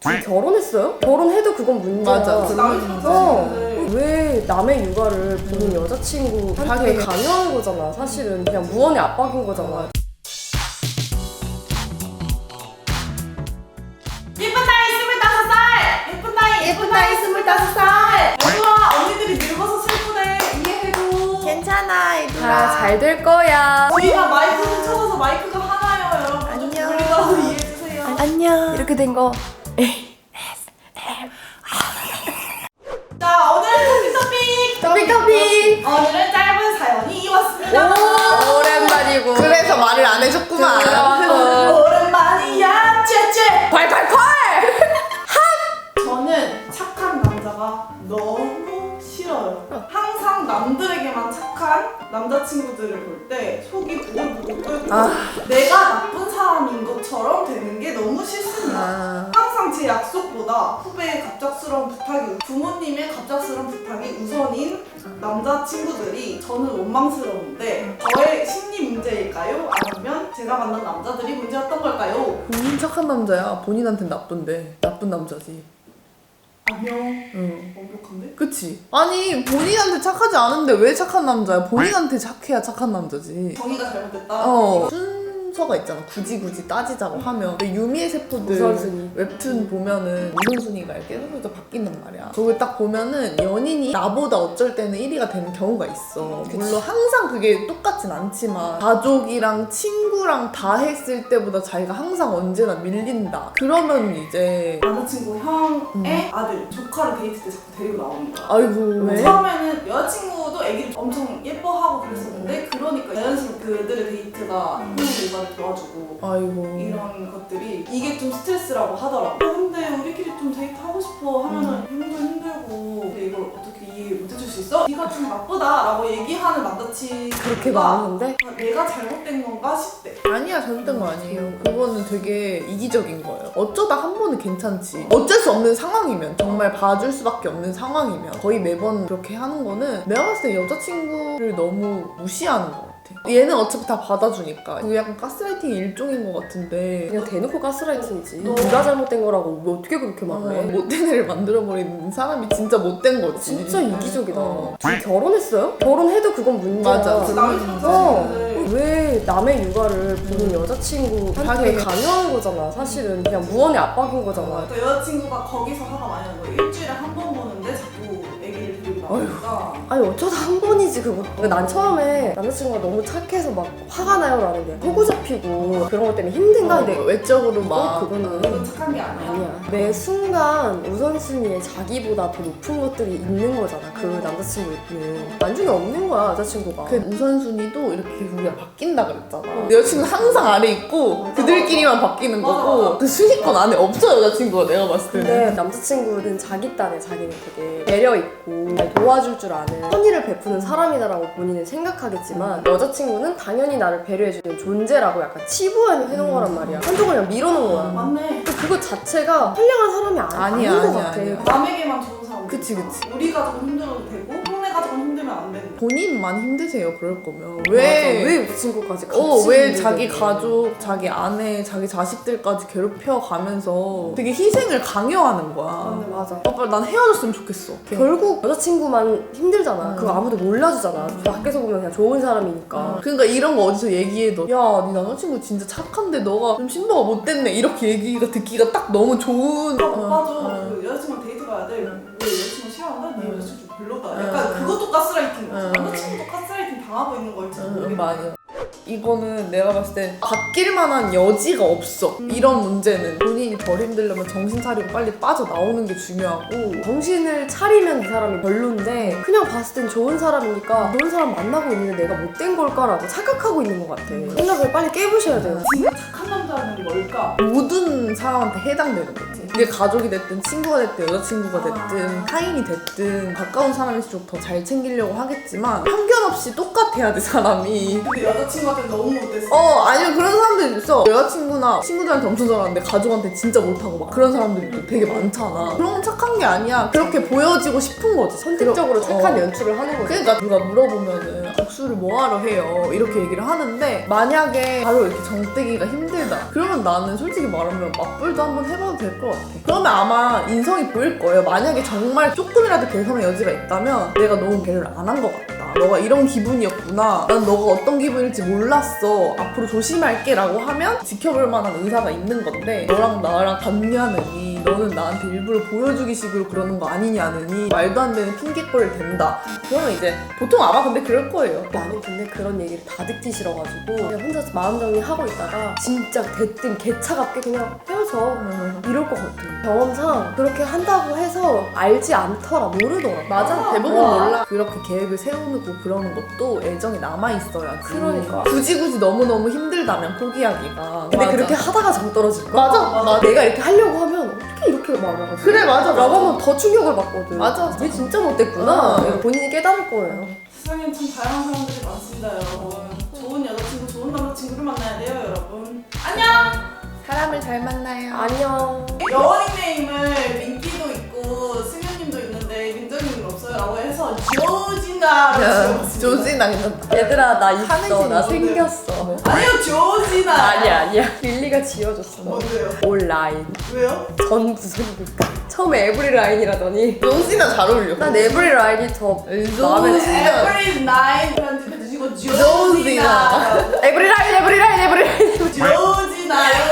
둘이 결혼했어요? 결혼해도 그건 문제야. 맞아. 왜 남의 육아를 본인 여자친구한테 강요한 거잖아. 사실은 그냥 무언의 압박인 거잖아. 예쁜 나이 25살! 예쁜 나이 25살! 얘들아, 언니들이 늙어서 슬프대. 이해해줘. 괜찮아, 얘들아. 다 잘 될 거야. 저희가 마이크 훔쳐서 마이크가 하나요, 여러분. 안녕. 우리가 이해해주세요. 안녕. 이렇게 된 거. 자, 오늘은 토픽! 오늘은 짧은 사연이 왔습니다. 오랜만이고. 그래서 말을 안 해줬구만. 오랜만이야, 째째! 콸콸콸! 저는 착한 남자가 너무 싫어요. 항상 남들에게만 착한 남자친구들을 볼 때 속이 부글부글 끓고 내가 나쁜 사람인 것처럼 되는 게 너무 싫습니다. 항상 제 약속보다 후배의 갑작스러운 부탁이, 부모님의 갑작스러운 부탁이 우선인 남자친구들이 저는 원망스러운데 저의 심리 문제일까요? 아니면 제가 만난 남자들이 문제였던 걸까요? 본인 착한 남자야. 본인한텐 나쁜데. 나쁜 남자지. 안녕. 응. 완벽한데? 그치? 아니 본인한테 착하지 않은데 왜 착한 남자야? 본인한테 착해야 착한 남자지. 정의가 잘못됐다? 순서가 있잖아. 굳이 따지자고 하면. 근데 유미의 세포들 우선순위. 웹툰 보면은 우선순위가 이렇게 계속 바뀐단 말이야. 그걸 딱 보면은 연인이 나보다 어쩔 때는 1위가 되는 경우가 있어. 물론 항상 그게 똑같진 않지만 가족이랑 친구랑 다 했을 때보다 자기가 항상 언제나 밀린다. 그러면 이제 남자친구 형의 아들, 조카를 데이트 때 자꾸 데리고 나오는 거야. 아이고 왜? 처음에는 여자친구도 애기를 엄청 예뻐하고 그랬었는데 그러니까 자연스럽게 그들의 데이트가 형의 육아를 도와주고 아이고 이런 것들이 이게 좀 스트레스라고 하더라고. 근데 우리끼리 좀 데이트 하고 싶어 하면은 형도 힘들고 근데 이걸 어떻게 이해 못 해줄 수 있어? 네가 좀 나쁘다라고 얘기하는 남자친구가 그렇게 많은데? 내가 잘못된 건가 싶대. 아니야 잘못된 거 아니에요. 그거는 되게 이기적인 거예요. 어쩌다 한 번은 괜찮지. 어쩔 수 없는 상황이면 정말 봐줄 수밖에 없는 상황이면 거의 매번 그렇게 하는 거는 내가 봤을 때 여자친구를 너무 무시하는 거 같아. 얘는 어차피 다 받아주니까. 그게 약간 가스라이팅의 일종인 것 같은데 그냥 대놓고 가스라이팅이지. 네가 잘못된 거라고 왜 어떻게 그렇게 말해? 못된 애를 만들어버리는 사람이 진짜 못된 거지. 진짜 이기적이다. 둘이 결혼했어요? 결혼해도 그건 문제야. 맞아. 남의 남자친구들 왜 남의 육아를 본인 여자친구한테 강요한 거잖아. 사실은 그냥 무언의 압박인 거잖아. 그 여자친구가 거기서 화가 많이 나는 거예요. 일주일에 한 번 보는데 자꾸 애기를 데리고 나오니까. 아니 어쩌다 한 번이지 그거. 그러니까 난 처음에 남자친구가 너무 착해서 막 화가 나요 라는 게 호구 잡히고 그런 것 때문에 힘든가? 근데 외적으로 막 그거는 이건 착한 게 아니야. 아니야. 매 순간 우선순위에 자기보다 더 높은 것들이 있는 거잖아. 그 남자친구는 나중에 없는 거야 여자친구가. 그 우선순위도 이렇게 계속 우리가 바뀐다 그랬잖아. 내 여자친구 항상 아래 있고 그들끼리만 바뀌는 거고 그 순위권 안에 없어 여자친구가 내가 봤을 때는. 근데 남자친구는 자기 딴에 자기는 되게 배려있고 날 도와줄 줄 아는 선의를 베푸는 사람이다라고 본인은 생각하겠지만 여자친구는 당연히 나를 배려해주는 존재라고 약간 치부해놓은 거란 말이야. 한쪽을 그냥 밀어놓은 거야. 맞네. 근데 그거 자체가 선량한 사람이 아닌 것 같아. 아니야. 남에게만 좋은 사람. 그치. 우리 가족은 힘들어도 되고 형네 가족은 힘들면 안 되는. 본인만 힘드세요 그럴 거면. 맞아. 왜 왜 그 친구까지 같이 왜 있는데. 자기 가족, 자기 아내, 자기 자식들까지 괴롭혀 가면서 되게 희생을 강요하는 거야. 근데 맞아. 오빠 난 헤어졌으면 좋겠어. 결국 여자친구만 힘들잖아. 그거 아무도 몰라주잖아. 밖에서 보면 그냥 좋은 사람이니까. 그러니까 이런 거 어디서 얘기해도 야, 네 남자친구 진짜 착한데 너가 좀 신부가 못됐네 이렇게 얘기가 듣기가 딱 너무 좋은. 오빠도 그 여자친구랑 데이트 가야 돼. 왜 여자친구 싫어한다? 네 여자친구 좀 별로다. 약간 그것도 가스라이팅. 남자친구도 가스라이팅 당하고 있는 걸지 모르겠네. 맞아. 이거는 내가 봤을 때 바뀔 만한 여지가 없어. 이런 문제는 본인이 덜 힘들려면 정신 차리고 빨리 빠져나오는 게 중요하고. 정신을 차리면 이 사람이 별론데 그냥 봤을 땐 좋은 사람이니까 좋은 사람 만나고 있는데 내가 못된 걸까라고 착각하고 있는 것 같아. 생각을 빨리 깨부셔야 돼요. 진짜 착한 남자는 뭘까? 모든 사람한테 해당되는 거지. 그게 가족이 됐든 친구가 됐든 여자친구가 됐든 타인이 됐든 가까운 사람일수록 더 잘 챙기려고 하겠지만 편견 없이 똑같아야 돼 사람이. 근데 여자친구한테 너무 못했어. 아니면 그런 사람들 있어. 여자친구나 친구들한테 엄청 잘하는데 가족한테 진짜 못하고 막 그런 사람들이 또 되게 많잖아. 그런 건 착한 게 아니야. 그렇게 보여지고 싶은 거지. 선택적으로 착한 연출을 하는 거지. 그러니까 누가 물어보면은 복수를 뭐하러 해요 이렇게 얘기를 하는데 만약에 바로 이렇게 정떼기가 힘들다 그러면 나는 솔직히 말하면 맞불도 한번 해봐도 될 것 같아. 그러면 아마 인성이 보일 거예요. 만약에 정말 조금이라도 개선의 여지가 있다면 내가 너무 배려를 안 한 것 같다. 너가 이런 기분이었구나. 난 너가 어떤 기분일지 몰랐어. 앞으로 조심할게 라고 하면 지켜볼 만한 의사가 있는 건데 너랑 나랑 같냐느니 너는 나한테 일부러 보여주기 식으로 그러는 거 아니냐느니 말도 안 되는 핑계거리를 댄다. 그러면 이제 보통 아마 근데 그럴 거예요. 나는 근데 그런 얘기를 다 듣기 싫어가지고 그냥 혼자서 마음 정리하고 있다가 진짜 대뜸 개차갑게 그냥 헤어져 이럴 것 같아. 경험상 그렇게 한다고 해서 알지 않더라 모르더라. 맞아. 대부분 와. 몰라. 그렇게 계획을 세우고 그러는 것도 애정이 남아있어야지. 그러니까. 굳이 너무너무 힘들다면 포기하기가. 근데 맞아. 그렇게 하다가 정 떨어질 거야. 맞아. 내가 이렇게 하려고 하면 어떻게 이렇게 말하지? 그래, 맞아. 라고 하면 더 충격을 받거든. 맞아. 얘 진짜 못됐구나. 어. 이거 본인이 깨달을 거예요. 세상엔 참 다양한 사람들이 많습니다, 여러분. 좋은 여자친구, 좋은 남자친구를 만나야 돼요, 여러분. 안녕! 사람을 잘 만나요. 안녕. 여원 닉네임을 민기도 있고 승현님도 있는데 민정님은 없어요 라고 해서 조지나로 지어봤습니다. 조지나 괜찮다. 얘들아 나 있어. 하늘색 나 뭔데? 생겼어. 아니요, 조지나. 아니야. 릴리가 지어줬어. 뭔데요? 온라인. 왜요? 전 무슨 처음에 에브리 라인이라더니 조지나 잘 어울려. 난 에브리 라인이 더 마음에 들어. 조지나. Every night 편집해주시고 조지나. 조지나. 에브리 라인. 조지나.